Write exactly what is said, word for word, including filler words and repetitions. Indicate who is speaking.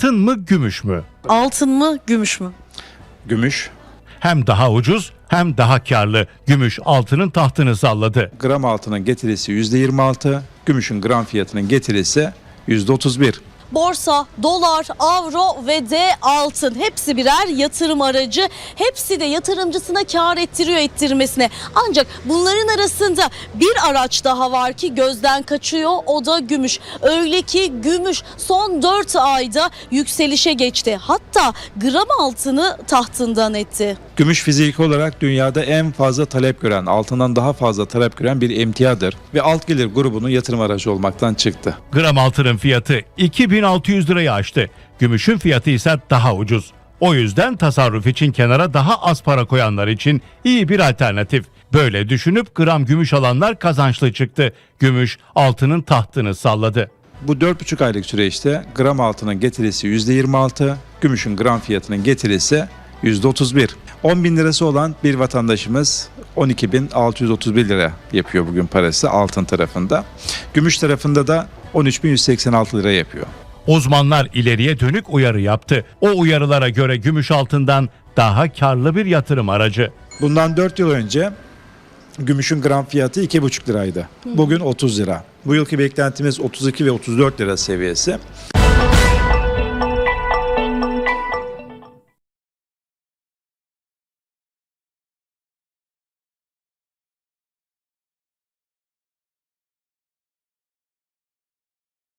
Speaker 1: Altın mı, gümüş mü?
Speaker 2: Altın mı, gümüş mü?
Speaker 3: Gümüş.
Speaker 1: Hem daha ucuz hem daha karlı. Gümüş altının tahtını salladı.
Speaker 3: Gram altının getirisi yüzde yirmi altı, gümüşün gram fiyatının getirisi yüzde otuz bir.
Speaker 2: Borsa, dolar, avro ve de altın hepsi birer yatırım aracı. Hepsi de yatırımcısına kar ettiriyor ettirmesine. Ancak bunların arasında bir araç daha var ki gözden kaçıyor, o da gümüş. Öyle ki gümüş son dört ayda yükselişe geçti. Hatta gram altını tahtından etti.
Speaker 3: Gümüş fiziki olarak dünyada en fazla talep gören, altından daha fazla talep gören bir emtiadır ve alt gelir grubunun yatırım aracı olmaktan çıktı.
Speaker 1: Gram altının fiyatı iki bin altı yüz lirayı aştı. Gümüşün fiyatı ise daha ucuz. O yüzden tasarruf için kenara daha az para koyanlar için iyi bir alternatif. Böyle düşünüp gram gümüş alanlar kazançlı çıktı. Gümüş altının tahtını salladı.
Speaker 3: Bu dört buçuk aylık süreçte gram altının getirisi yüzde yirmi altı, gümüşün gram fiyatının getirisi yüzde otuz bir. on bin lirası olan bir vatandaşımız on iki bin altı yüz otuz bir lira yapıyor bugün parası altın tarafında. Gümüş tarafında da on üç bin yüz seksen altı lira yapıyor.
Speaker 1: Uzmanlar ileriye dönük uyarı yaptı. O uyarılara göre gümüş altından daha karlı bir yatırım aracı.
Speaker 3: Bundan dört yıl önce gümüşün gram fiyatı iki buçuk liraydı. Bugün otuz lira. Bu yılki beklentimiz otuz iki ve otuz dört lira seviyesi.